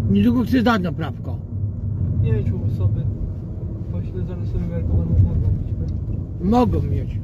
Niedługo chcę zdać na prawko. Nie mieć u osoby. Pośle zaraz sobie miarkowaną mogą mieć. Mogą mieć.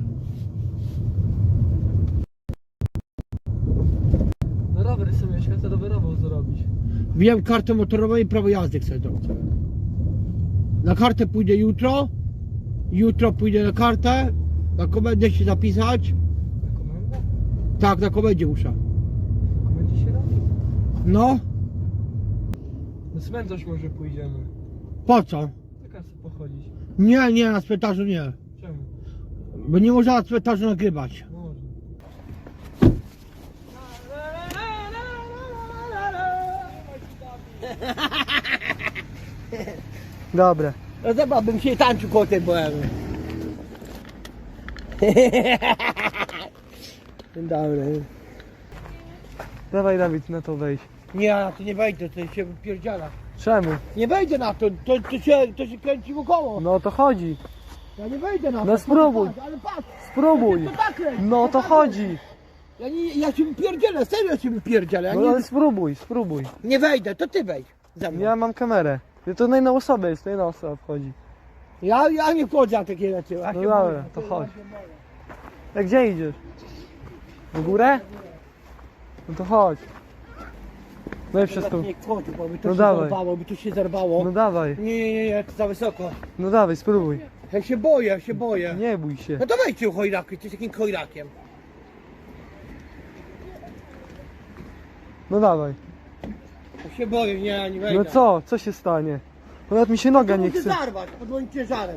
No rower sobie mieć, chcę rowerową zrobić. Wiem kartę motorową i prawo jazdy chcę zrobić. Na kartę pójdę jutro. Jutro pójdę na kartę. Na komendę się zapisać. Na komendę? Tak, na komendzie muszę. Na komendzie się robi? No, Na cmentarz może pójdziemy. po co? Na kasę pochodzić. Nie, na cmentarzu nie. Czemu? Bo nie można na cmentarzu nagrywać. Może. Dobra. No zobacz, bym się tańczył koło tej bohemy. Dobry. Dawaj Dawid, na to wejdź. Nie, ja na to nie wejdę, to się wypierdziela. Czemu? Nie wejdę na to, to się kręci wokoło. No o to chodzi. Ja nie wejdę na to. No spróbuj. Ale patrz, Spróbuj. to tak kręci. No o to tak chodzi. Ja się wypierdzielę, serio się wypierdzielę. Ja No nie, ale spróbuj. nie wejdę, to ty wejdź ze mną. Ja mam kamerę. To na inną osobę jest, to jedna osoba wchodzi. Ja nie wchodzę na takie rzeczy. Ja No się dobra, boję, to ja chodź. się boję. A gdzie idziesz? W górę? No to chodź. No i wszystko. Nie wchodzi, bo by to No się dawaj. zerwało, by to się zerwało. No dawaj. Nie, to za wysoko. No dawaj, spróbuj. Ja się boję. Nie bój się. No to wejdźcie u chojraki, ty z takim chojrakiem. No dawaj. Ja się boję, nie wejdę. No co? Co się stanie? No nawet mi się noga nie Muszę chce. zarwać pod moim ciężarem.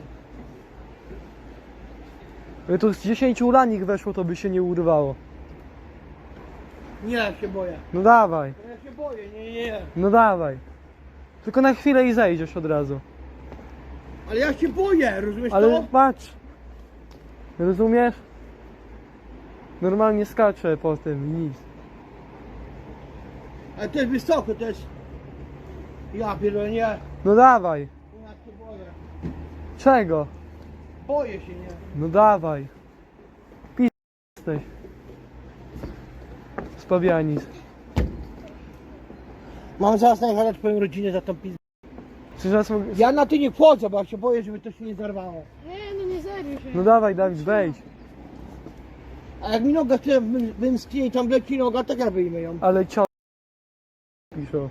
Gdyby tu z 10 ulanik weszło, to by się nie urwało. Nie, ja się boję. No dawaj. Ja się boję, nie. No dawaj. Tylko na chwilę i zejdziesz od razu. Ale ja się boję, rozumiesz Ale to? patrz. Rozumiesz? Normalnie skaczę po tym i nic. Ale to jest wysoko, to jest... Ja pierdolę, nie. No dawaj. Ja się boję. Czego? Boję się, nie. No dawaj. Jesteś. Spawianic. Mam zaraz najechać twoją rodzinę za tą pizdę. Czy zaraz mogę... Ja na ty nie wchodzę, bo ja się boję, żeby to się nie zarwało. Nie, no nie zerwił się. No dawaj Dawid, wejdź. A jak mi noga tyle wymsknie i tam leci noga, tak ja wyjmę ją. Ale cio... Piszą.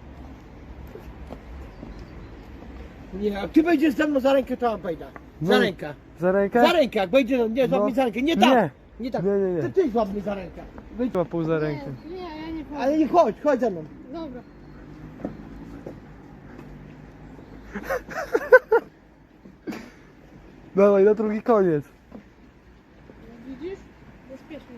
Nie, jak ty wejdziesz ze mną za rękę, to ja wejdę. Za No. rękę. Za rękę? Za rękę, jak wejdzie, nie, złap No. mnie za rękę. Nie tak. Nie. Nie tak. Nie. To ty złap mnie za rękę. Wejdź. Chyba pół za rękę. Nie, ja nie powiem. Ale nie chodź ze mną. Dobra. Dawaj, na drugi koniec. No widzisz? Bezpiecznie.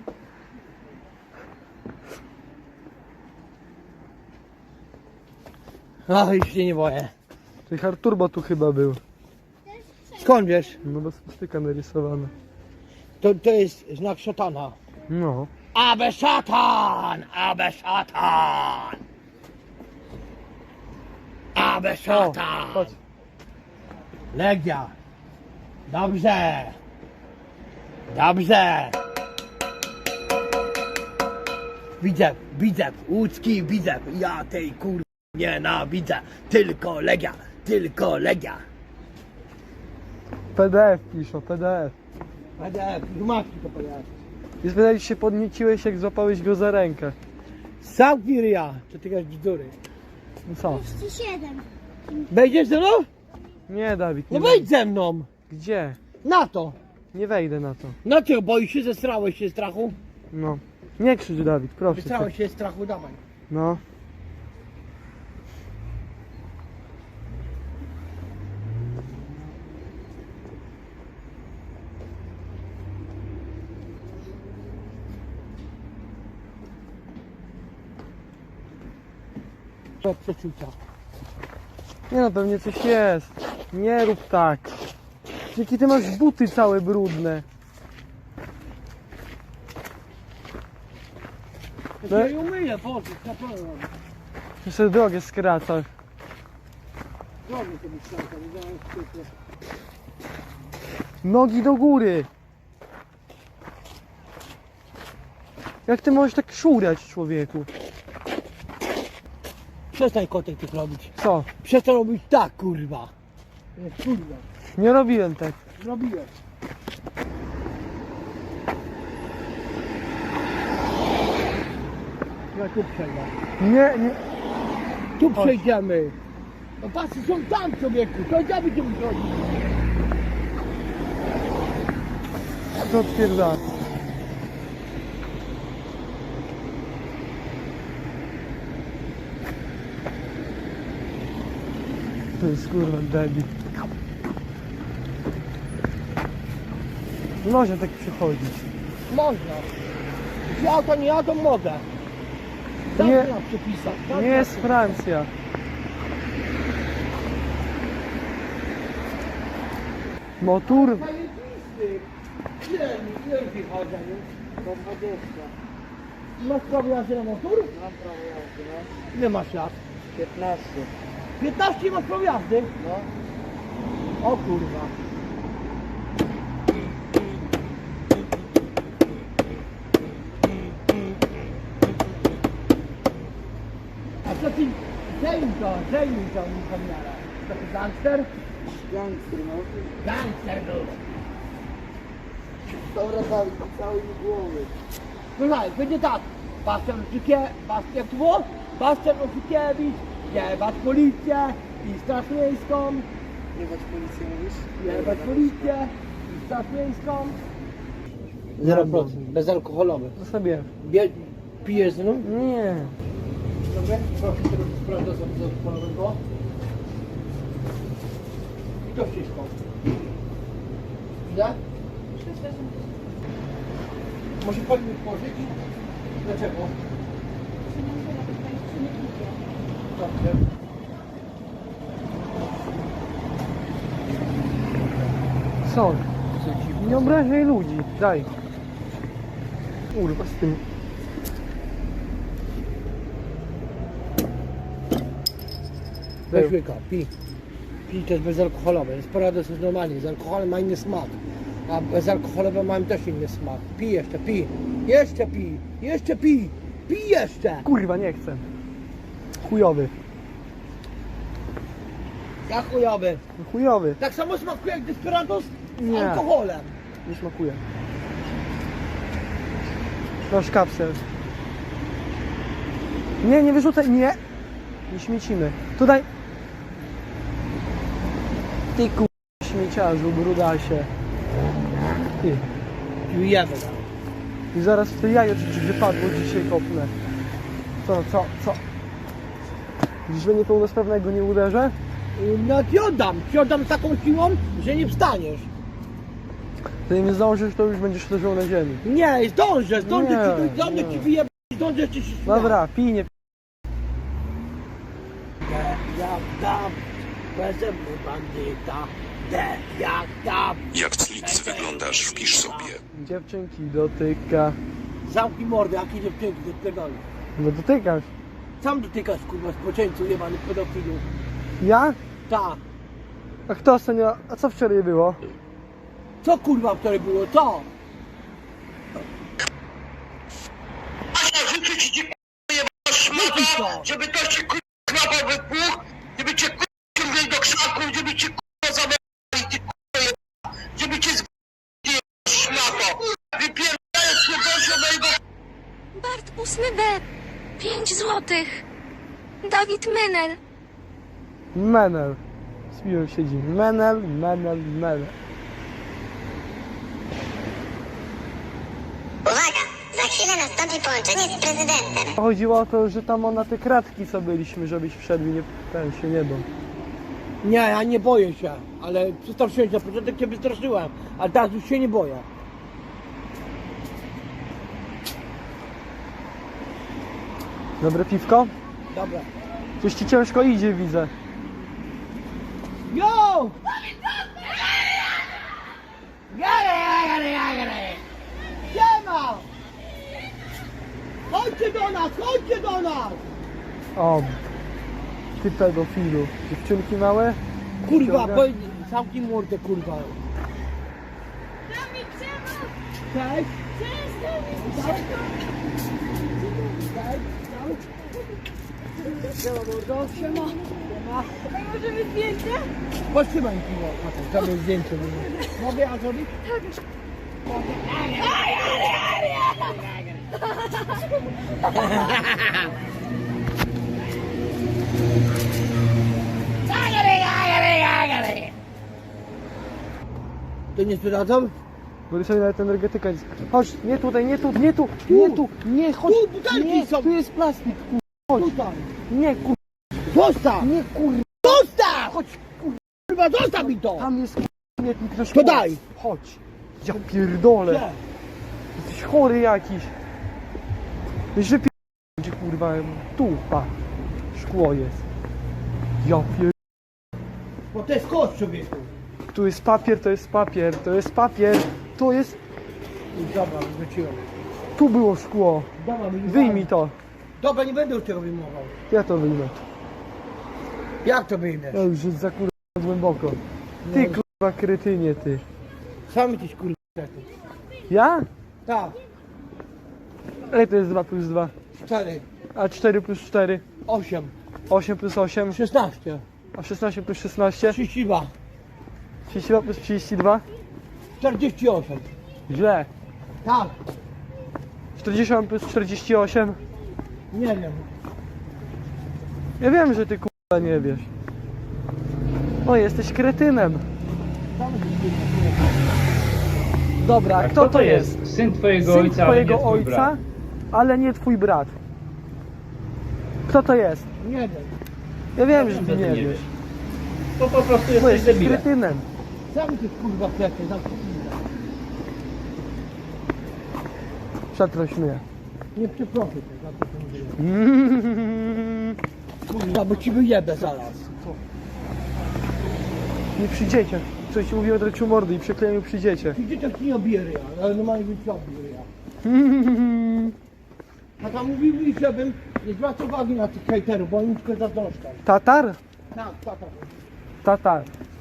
O, już się nie boję. Czyli hard turbo tu chyba był. Skąd wiesz? No bo styka narysowana. To jest znak szatana. No. Abe szatan! Abe szatan! Abe O, szatan! chodź. Legia. Dobrze. Dobrze. Widzę, łódzki widzę. Ja tej kur... nienawidzę. Tylko Legia, tylko Legia. PDF piszą, PDF. PDF, matki to powiedziałem. I spytali się, podnieciłeś jak złapałeś go za rękę. Sam ja, co ty gadasz bzdury. No co? 37. Wejdziesz ze mną? Nie Dawid, nie No wejdź ze mną. Gdzie? Na to. Nie wejdę na to. No czego, boisz się, zestrałeś się strachu? No. Nie krzycz Dawid, proszę cię. Zestrałeś się strachu, dawaj. No. To przeczucia. Nie no, pewnie coś jest. Nie rób tak. Jakie ty masz buty całe brudne. Ja się umyję, Boże, na pewno. Jeszcze drogę skracasz. Drogi sobie skracam, nie zaraz się... Nogi do góry. Jak ty możesz tak szurać, człowieku? Przestań kotek tych robić. Co? Przestań robić tak, kurwa. Kurwa, Nie robiłem tak. zrobiłeś. Ja tu przejdę. Nie. Tu przejdziemy. No pasy są tam, człowieku. To ja będziemy chodzić. To odpierdala. To jest kurwa debil. Można tak przychodzić. Można. Jeśli auto nie jadą, mogę. Nie. Nie na przepisach. tak Nie na jest Francja. Motor? Zajebisty. Ile wychodzi, nie? 120. Masz prawo jazdy na motor? Mam prawo jazdy, no. Ile masz lat? 15. 15 masz prawo jazdy? No. O kurwa. A co ty? Zajmij to mi kamerę. To ty gangster? Gangster, no. Gangster był. Dobra, Dawid, cały mi głowy. Słuchaj, będzie tak. Jak to było? Bastian Ofikiewicz, jebać policję i straż miejską, Jebać policję mówisz? jebać policję i straż miejską. 0%, bezalkoholowy. Zostawiłem. Pijesz z nią? Nie. Dobrze, proszę tego sprawdza za bezalkoholowego. I to wszystko. Ile? 300 zł. Może pani mi włożyć? Dlaczego? Dobrze. Co? Nie obrażaj ludzi. Daj. Kurwa z tym. Weź łyka, pij. Pij, to jest bezalkoholowe. Sporados jest normalnie, z alkoholem ma inny smak. A bezalkoholowe mają też inny smak. Pij jeszcze, pij. Jeszcze pij, jeszcze pij. Pij jeszcze. Kurwa nie chcę. Chujowy. Ja chujowy. Chujowy. Tak samo smakuje jak Desperados z Nie. alkoholem. Nie smakuje. Masz kapsel. Nie wyrzucaj. Nie. Nie śmiecimy. Tutaj. Ty ku... śmieciarzu, brudasie. Ty. Pijemy. I zaraz w to jajo ci wypadło dzisiaj kopnę. Co? Dziś mnie niepełnosprawnego nie uderzę? No ci oddam taką siłą, że nie wstaniesz. Ty nie zdążysz, to już będziesz leżał na ziemi. Nie, zdążę Nie, ci nie. wyjebać, zdążę ci się śmiać. Dobra, pij, nie. Jak tam, bezemny bandyta, jak tam. Jak Clix wyglądasz, wpisz sobie. Dziewczynki dotyka. Zamknij mordę, jakie dziewczynki, ty pierdolę. No dotykasz. Sam dotykasz, kurwa, spoczęcu jebany pedofilu. Ja? Ta. A kto ostatnio? A co wczoraj było? Co kurwa wczoraj było, co? Życzę ci jebana Jaki to? szmata, żeby to się klapa wybuch, żeby cię ciągnęli do krzaków, żeby cię zabrali, ty jebana, żeby cię zgłosili szmato. Wypierdajesz się do mojego Bart 8B. 5 złotych. Dawid Menel. Menel. Z piłem siedzi. Menel. Uwaga! Za chwilę nastąpi połączenie z prezydentem. Chodziło o to, że tam na te kratki co byliśmy, żebyś wszedł i nie, ten się nie bał. Nie, ja nie boję się, ale przestraszyłem się, na początek cię wystraszyłem, ale teraz już się nie boję. Dobre piwko? Dobra. Coś ci ciężko idzie, widzę. Yo! Gary! Siema! Chodźcie do nas! O, ty pedofilu. Dziewczynki małe? Kurwa, Ciąga. zamknij mordę, kurwa. Dawid, czemu? Cześć! Cześć, Dawid! Cześć! Siema. Możemy zdjęcie? Potrzymaj piwo, Matek, zrobię zdjęcie. Mogę ja zrobić? To nie zdradzam? Bo sobie nawet energetyka jest. Chodź, nie tutaj, nie tu, nie tu, nie tu, nie, chodź. Tu butelki Nie, są. tu jest plastik, chodź. Tutaj. Nie, Zostaw! nie, Zostaw! Chodź, kurwa, zostaw mi to! tam jest śmietnik do To szkoły. daj! Chodź. Ja pierdolę. Gdzie? Jesteś chory jakiś. Weź wypierdolę, gdzie kurwa, tu, pa. Szkło jest. Ja pier... Bo to jest kość, człowieku. Tu jest papier, to jest papier, to jest papier. To jest... Dobra, wróciłem. Tu było szkło. Dobra, Wyjmij to. Dobra, nie będę już tego wyjmował. Ja to wyjmę. Jak to wyjmiesz? Ja już jest za kurwa głęboko. Ty kurwa kretynie, ty. Sam jesteś kurwa. Ja? Tak, Ile to jest 2 plus 2? 4, A 4 plus 4? 8, 8 plus 8? 16, A 16 plus 16? 32, 32 plus 32? 48. Źle. Tak, 40 plus 48? nie wiem. Ja wiem, że ty kurwa nie wiesz. O, jesteś kretynem. Sam jesteś kurwa. Dobra, A kto to jest? Syn twojego Syn ojca, ale twojego nie twój ojca, brat. ale nie twój brat. Kto to jest? Nie wiem. Ja wiem, że Że ty ty nie nie wiesz. wiesz. To po prostu Bo jesteś jesteś debilem. kretynem. Sam jesteś kurwa kwiaty, zamknij. Przeproś mnie. Nie przeproszę cię za to, co mówiłem. Kurwa, bo ci wyjebę zaraz. Nie przy dzieciach. Coś ci mówiłem, dreciu mordy i przekleję przy dzieciach. Ci dzieciak ci nie obije ryja, ale normalnie bym ci obił ryja. A tam mówili, żebym nie zwracał uwagi na tych hejterów, bo oni tylko zazdroszczą. Tatar? Tak, tata. Tatar.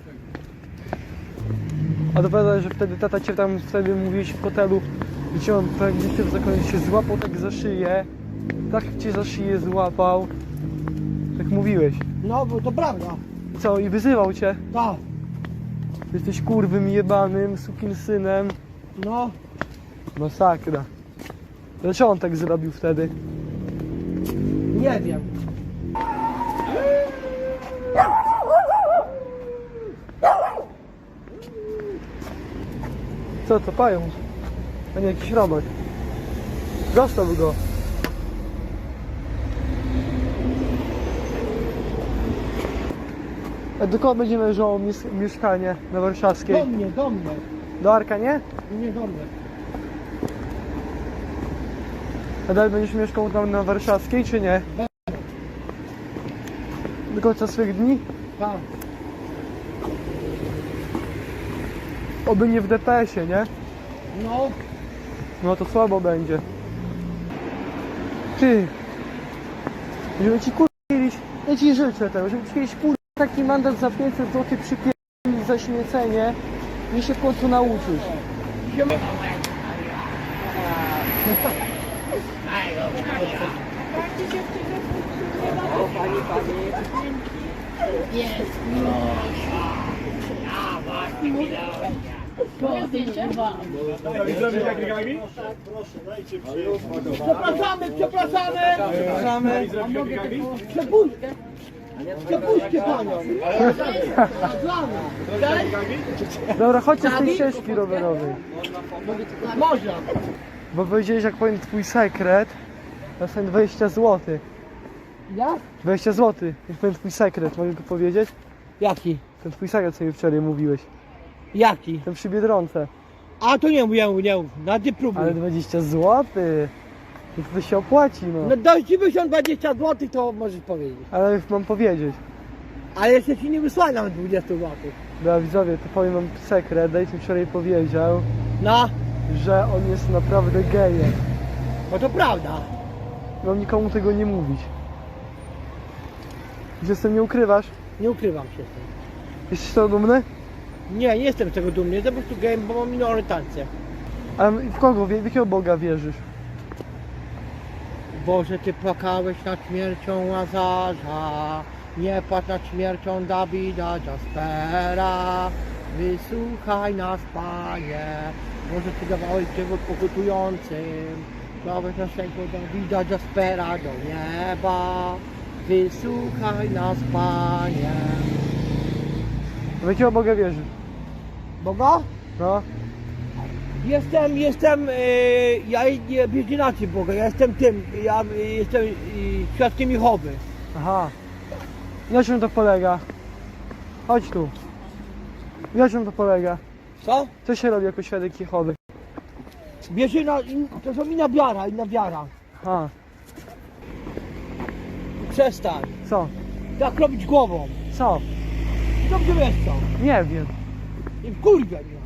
A dowiadaj, że wtedy tata cię tam wtedy mówiłeś w hotelu, gdzie on gdzieś w zakonie się złapał tak za szyję. Tak cię za szyję złapał. Tak mówiłeś. No, bo to prawda. I co? I wyzywał cię. Tak, Jesteś kurwym jebanym, sukinsynem. no. Masakra. Dlaczego on tak zrobił wtedy? Nie wiem. Co to, pająk? A nie, jakiś robak. Zostaw go. A do kogo będzie należało mieszkanie na Warszawskiej? Do mnie. Do Arka, nie? Nie do mnie. A dalej będziesz mieszkał tam na Warszawskiej, czy nie? Do końca swych dni? Tak. Oby nie w DPS-ie, nie? No, No to słabo będzie. Ty! Żeby ci kiedyś, ja ci życzę tego, żeby ci kiedyś taki mandat za 500 zł przypierdolić za śmiecenie i się w końcu nauczyć. przepraszamy. Przepuśćcie panią. Dla mnie. Dobra, chodźcie z tej ścieżki rowerowej. Można. Bo powiedziałeś, jak powiem twój sekret, to są 20 zł. Ja? 20 zł, jak powiem twój sekret, mogę go powiedzieć? Jaki? Ten twój sekret, co mi wczoraj mówiłeś. Jaki? Ten przy Biedronce. A to nie mówię, na ty próbuj. Ale 20 zł. To się opłaci, no. No daj ci 20 zł, to możesz powiedzieć. Ale już mam powiedzieć. Ale jeszcze ci nie wysłałem nawet 20 zł. Dobra widzowie, to powiem wam sekret. Dajcie mi wczoraj powiedział, No, że on jest naprawdę gejem. no to prawda. Mam nikomu tego nie mówić. Że z tym nie ukrywasz? Nie ukrywam się z tym. Jesteś z tego dumny? Nie jestem z tego dumny, jestem po prostu gejem, bo mam inną orientację. A w kogo, w jakiego Boga wierzysz? Boże, Ty płakałeś nad śmiercią Łazarza, nie płacz nad śmiercią Dawida Jaspera. Wysłuchaj nas, Panie, Boże, Ty dawałeś drzewo pokutującym, dałeś naszego Dawida Jaspera do nieba. Wysłuchaj nas, Panie. W jakiego Boga wierzysz? Boga? No. Ja nie wierzę inaczej Boga, ja jestem świadkiem Jehowy. Aha. Na czym to polega? Chodź tu. Na czym to polega? Co? Co się robi jako świadek Jehowy? Wierzę to są inna wiara. Aha. Przestań. Co? Tak robić głową. Co? Dobrze wiesz co. Nie wiem. I wkurwia mnie.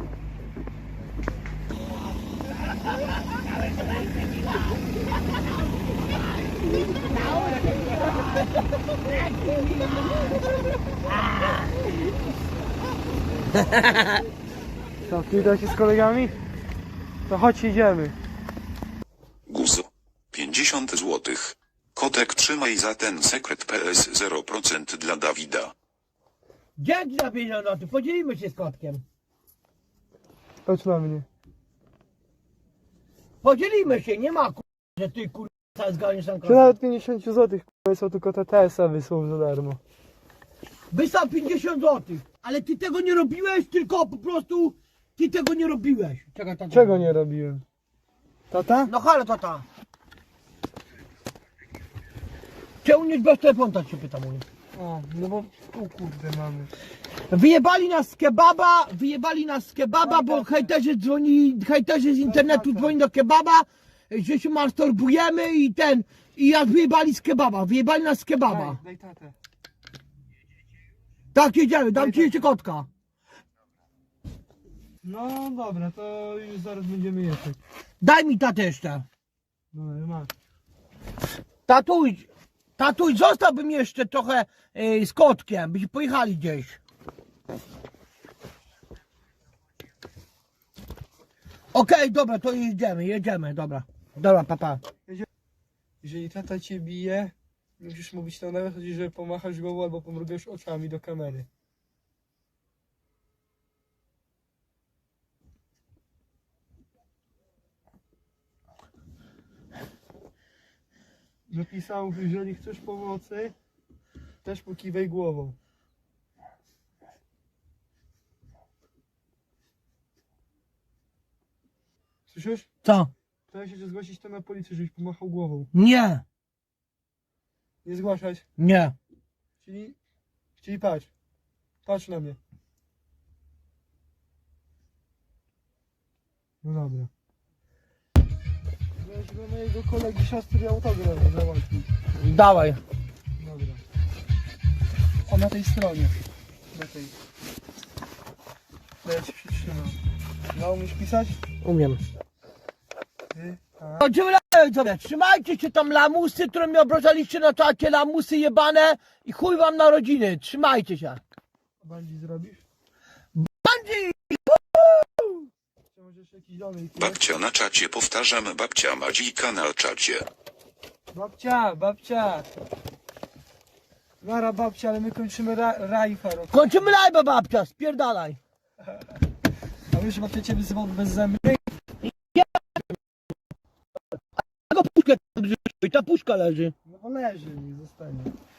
Co, ty da się z kolegami? To chodź, idziemy. Guzo. 50 złotych. Kotek trzymaj za ten sekret PS 0% dla Dawida. Dzięki za pieniądze, podzielimy się z kotkiem. Chodź na mnie. Podzielimy się, nie ma że ty zganiesz tam Czy kotę. nawet 50 zł są tylko TTS-a wysłał za darmo. Wysłał 50 zł, ale ty tego nie robiłeś, tylko po prostu ty tego nie robiłeś. Czekaj, tata. Czego nie robiłem? Tata? No halo tata. Czemu nie bez telefonu, tak się pytam u mnie. O, no bo tu kurde mamy. Wyjebali nas z kebaba, bo hejterzy z internetu dzwoni do kebaba, że się masturbujemy i wyjebali nas z kebaba. Daj tatę. Tak, jedziemy, dam ci jeszcze kotka. No dobra, to już zaraz będziemy jechać. Daj mi tatę jeszcze. No masz. Tatuś, zostałbym jeszcze trochę z kotkiem, byśmy pojechali gdzieś. Okej, dobra, to jedziemy, dobra. Dobra, papa. Jeżeli tata cię bije, nie musisz mówić to nawet, chodzi, że pomachasz głową albo pomrugasz oczami do kamery. Napisał, że jeżeli chcesz pomocy, też pokiwaj głową. Słyszysz? Co? Pytałem się, czy zgłosić to na policję, żebyś pomachał głową. Nie, Nie zgłaszać. nie. Czyli patrz. Patrz na mnie. No dobra. Weź do mojego kolegi siostry autograf załatwić. Dawaj. Dobra. O, na tej stronie. Na tej. To ja ci przytrzymam. No, umiesz pisać? Umiem. Ty, a. Chodzimy sobie. Trzymajcie się tam lamusy, które mnie obrażaliście na czacie, lamusy jebane i chuj wam na rodziny. Trzymajcie się. Bandzi zrobisz? Bandzi! Czy możesz jakiś domek? Babcia na czacie, powtarzam, babcia Madzika na czacie. Babcia! Nara babcia, ale my kończymy rajfa. Kończymy live'a, babcia, spierdalaj. A wiesz, babcia ciebie zwał bez zęby? Tego puszkę, ta puszka leży. No bo leży, nie zostanie.